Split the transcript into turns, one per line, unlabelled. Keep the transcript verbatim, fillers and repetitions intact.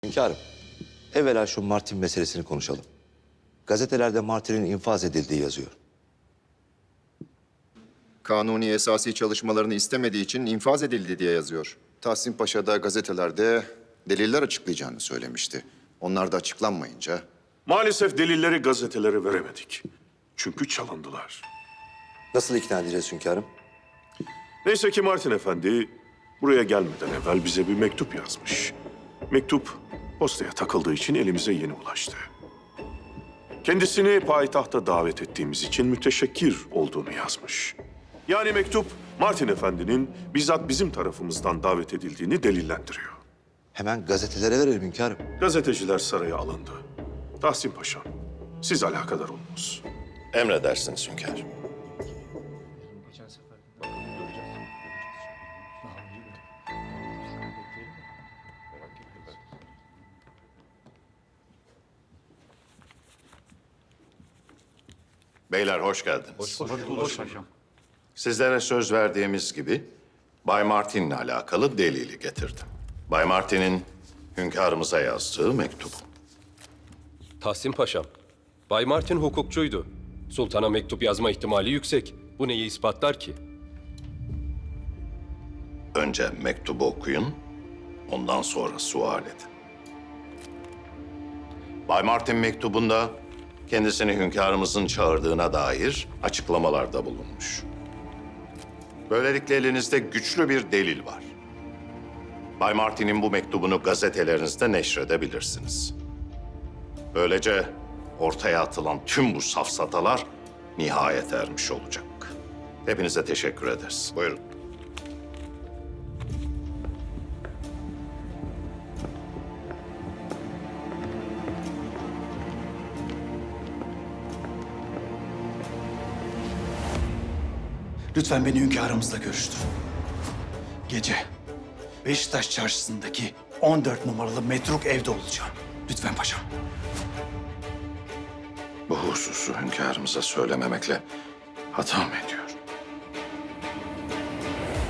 Hünkârım, evvela şu Martin meselesini konuşalım. Gazetelerde Martin'in infaz edildiği yazıyor.
Kanuni esasi çalışmalarını istemediği için infaz edildi diye yazıyor. Tahsin Paşa da gazetelerde deliller açıklayacağını söylemişti. Onlar da açıklanmayınca
Maalesef delilleri gazetelere veremedik. Çünkü çalındılar.
Nasıl ikna edeceğiz hünkârım?
Neyse ki Martin Efendi buraya gelmeden evvel bize bir mektup yazmış. Mektup postaya takıldığı için elimize yeni ulaştı. Kendisini payitahta davet ettiğimiz için müteşekkir olduğunu yazmış. Yani mektup Martin Efendi'nin bizzat bizim tarafımızdan davet edildiğini delillendiriyor.
Hemen gazetelere verelim hünkârım.
Gazeteciler saraya alındı. Tahsin Paşam, siz alakadar olunuz.
Emredersiniz hünkârım. Beyler hoş geldiniz. Hoş bulduk paşam. Sizlere söz verdiğimiz gibi Bay Martin'le alakalı delili getirdim. Bay Martin'in hünkârımıza yazdığı mektubu.
Tahsin Paşam, Bay Martin hukukçuydu. Sultana mektup yazma ihtimali yüksek. Bu neyi ispatlar ki?
Önce mektubu okuyun, ondan sonra sual edin. Bay Martin mektubunda kendisini hünkârımızın çağırdığına dair açıklamalarda bulunmuş. Böylelikle elinizde güçlü bir delil var. Bay Martin'in bu mektubunu gazetelerinizde neşredebilirsiniz. Böylece ortaya atılan tüm bu safsatalar nihayet ermiş olacak. Hepinize teşekkür ederiz. Buyurun.
Lütfen beni hünkârımızla görüştürün. Gece Beşiktaş çarşısındaki on dört numaralı metruk evde olacağım. Lütfen paşam.
Bu hususu hünkârımıza söylememekle hata mı ediyor?